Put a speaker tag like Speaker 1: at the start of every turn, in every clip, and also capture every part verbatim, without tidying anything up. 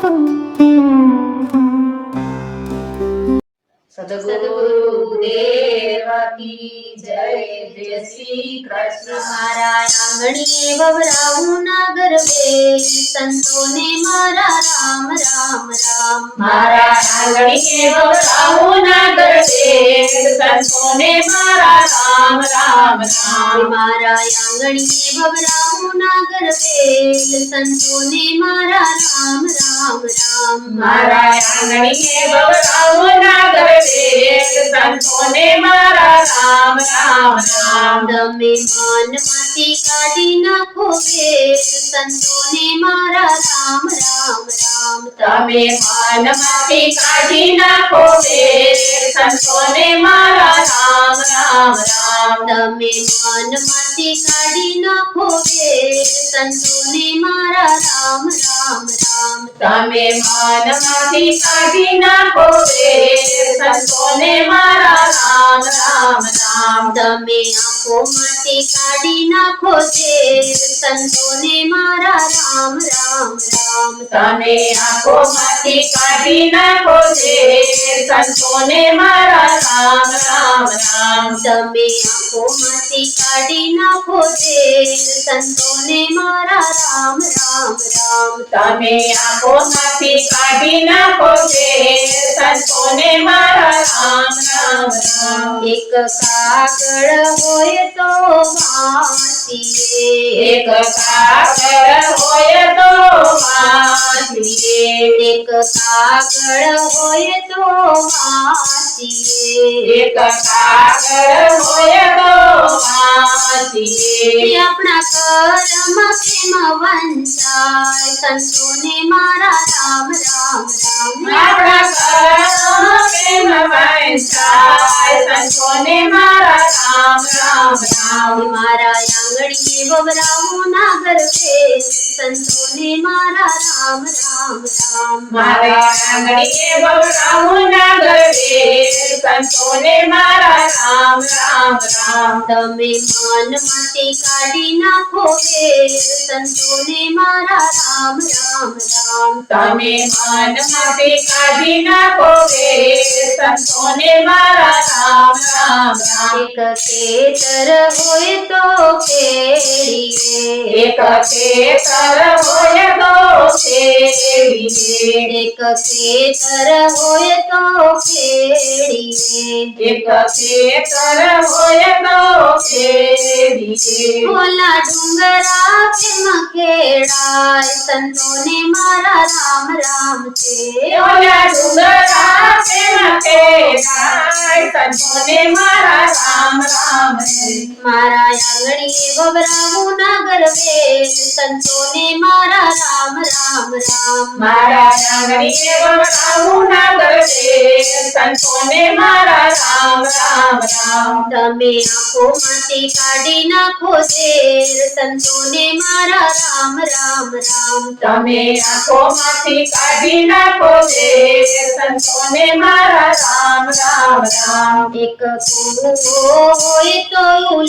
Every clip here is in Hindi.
Speaker 1: सद्गुरुदेव की जय। जय श्री कृष्ण। मारा आंगणीए ववरावू नागर वेल, संतों ने मारा राम राम राम।
Speaker 2: मारा आंगणीए ववरावू नागर वेल, संतों ने मारा राम राम राम।
Speaker 1: मारा आंगणीए ववरावू नागर वेल, संतों ने मारा राम राम राम।
Speaker 2: मारा आंगणीए ववरावू नागर वेल, संतों ने मारा राम राम राम।
Speaker 1: तमे मान माथी काढी नाखो वेल, संतों ने मारा राम राम राम।
Speaker 2: तमे मान माथी काढी नाखो वेल, संतों ने मारा राम राम राम।
Speaker 1: तमे मान माथी काढी नाखो वेल, संतों ने मारा राम राम राम।
Speaker 2: तमे मान माथी काढी नाखो वेल, संतों ने मारा राम राम राम।
Speaker 1: तमे आंखो माथी काढी नाखो वेल, संतों ने मारा राम राम राम।
Speaker 2: तमे आंखो माथी काढी नाखो वेल, संतों ने मारा राम राम राम।
Speaker 1: तमे आंखो माथी काढी नाखो वेल, संतों ने मारा राम राम राम।
Speaker 2: तमे आंखो माथी काढी नाखो वेल, संतों ने मारा राम राम राम।
Speaker 1: एक कागड़ होय तो माथिए,
Speaker 2: एक कागड़ होय तो माथिए,
Speaker 1: एक कागड़ होय तो माथिए।
Speaker 2: एक कागड़ होय तो माथिए।
Speaker 1: अपना कर्म केम वंचाय, संतों ने मारा राम राम राम।
Speaker 2: अपना कर्म केम वंचाय, संतों ने मारा राम राम राम।
Speaker 1: मारा आंगणीए ववरावू नागर वेल, संतों ने मारा राम राम राम।
Speaker 2: मारा आंगणीए ववरावू नागर वेल, संतों ने मारा राम राम राम।
Speaker 1: तमे मान माथी काढी नाखो वेल, संतों ने मारा राम राम राम।
Speaker 2: तमे मान माथी काढी नाखो वेल, संतों ने मारा राम राम राम।
Speaker 1: एक खेतर होय तो खेड़िए,
Speaker 2: एक खेतर होय तो खेड़िए,
Speaker 1: एक खेतर होय तो खेड़िए।
Speaker 2: एक खेतर होय तो खेड़िए।
Speaker 1: भोला डूंगरा केम खेड़ाय, संतों ने मारा राम राम से।
Speaker 2: भोला डूंगरा केम खेड़ाय, संतों ने मारा राम राम से।
Speaker 1: मारा आंगणीए ववरावू नागर वेल, संतों ने मारा राम राम राम।
Speaker 2: मारा आंगणीए ववरावू नागर वेल, संतों ने मारा राम राम राम।
Speaker 1: तमे आंखो माथी काढी नाखो वेल, संतों ने मारा राम राम राम।
Speaker 2: तमे आंखो माथी काढी नाखो वेल, संतों ने मारा राम राम राम।
Speaker 1: एक कुओ होय तो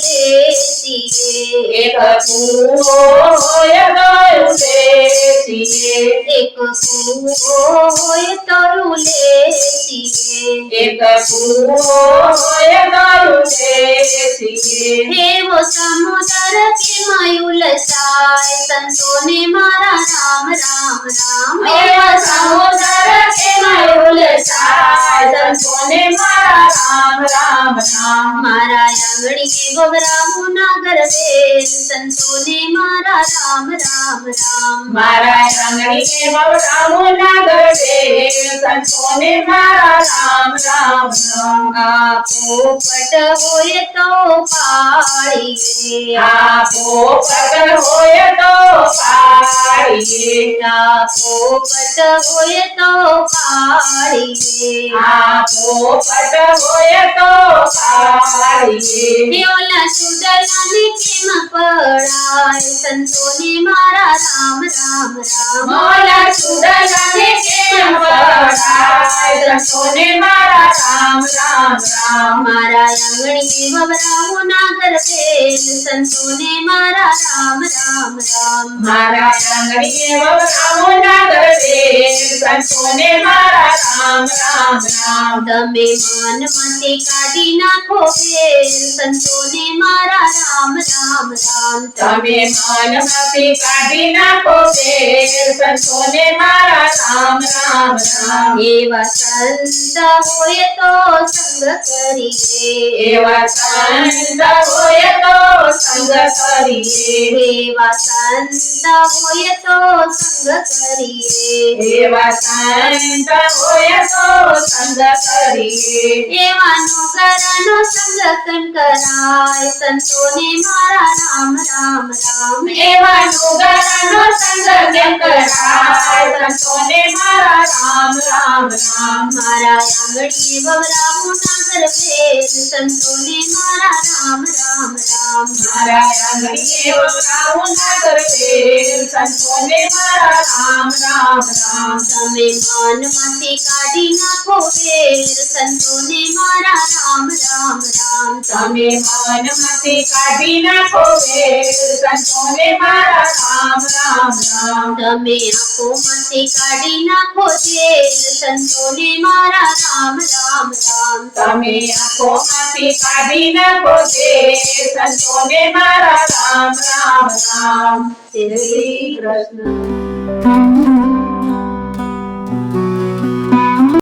Speaker 1: उलेसिए,
Speaker 2: एक कुओ होय तो उलेसिए,
Speaker 1: एक कुओ होय तो उलेसिए।
Speaker 2: एक कुओ होय तो उलेसिए।
Speaker 1: हे वो समुद्र के मयूलसाय, संतों ने मारा राम राम राम।
Speaker 2: हे वो समुद्र के मयूलसाय, संतों ने मारा राम राम राम।
Speaker 1: मारा आंगणीए ववरावू नागर वेल, संतों ने मारा राम राम राम।
Speaker 2: मारा आंगणीए ववरावू नागर वेल, संतों ने मारा राम राम राम।
Speaker 1: आपो पट होय तो पाड़िए,
Speaker 2: आपो पट होय तो पाड़िए,
Speaker 1: आपो पट होय तो पाड़िए।
Speaker 2: आपो पट होय तो पाड़िए।
Speaker 1: ओला सुदलाने केम पड़ाय, संतों ने मारा राम राम राम।
Speaker 2: मोला सुदलाने केम पड़ाय, संतों ने मारा રામ રામ રામ
Speaker 1: મારા આંગણીએ વવરાવું નાગર વેલ સંતોને મારા રામ રામ રામ
Speaker 2: મારા આંગણીએ વવરાવો નાગર વેલ સંતોને મારા રામ રામ રામ
Speaker 1: તમે મનમાંથી કાઢી નાખો વેલ સંતોને મારા રામ રામ રામ
Speaker 2: તમે મનમાંથી કાઢી નાખો વેલ સંતોને મારા રામ રામ રામ
Speaker 1: એવા સંત હોય તો સંગ કરીએ
Speaker 2: એવા સંત હોય તો સંગ કરીએ
Speaker 1: એવા સંત હોય તો સંગ કરીએ
Speaker 2: એવા સંત હોય તો સંગ કરીએ
Speaker 1: એવાનો કરનો સંગ કન કરાય સંતોને મારા રામ રામ રામ
Speaker 2: એવા નુગરનો સંગ કેમ કરાય સંતોને મારા રામ રામ રામ
Speaker 1: મારા આંગણીએ વવરાવું નાગર વેલ સંતોને મારા રામ રામ રામ
Speaker 2: મારા આંગણીએ વવરાવું નાગર વેલ સંતોને મારા રામ રામ રામ
Speaker 1: તમે મનમાંથી કાઢી નાખો વેલ સંતોને મારા રામ રામ રામ
Speaker 2: તમે મનમાંથી કાઢી નાખો વેલ સંતોને મારા રામ રામ રામ
Speaker 1: તમે આંખોમાંથી કાઢી નાખો જેલ સંતોને મારા રામ રામ રામ
Speaker 2: તમે આંખોમાંથી કાઢી નાખો વેલ સંતોને મારા રામ રામ રામ
Speaker 1: શ્રી કૃષ્ણ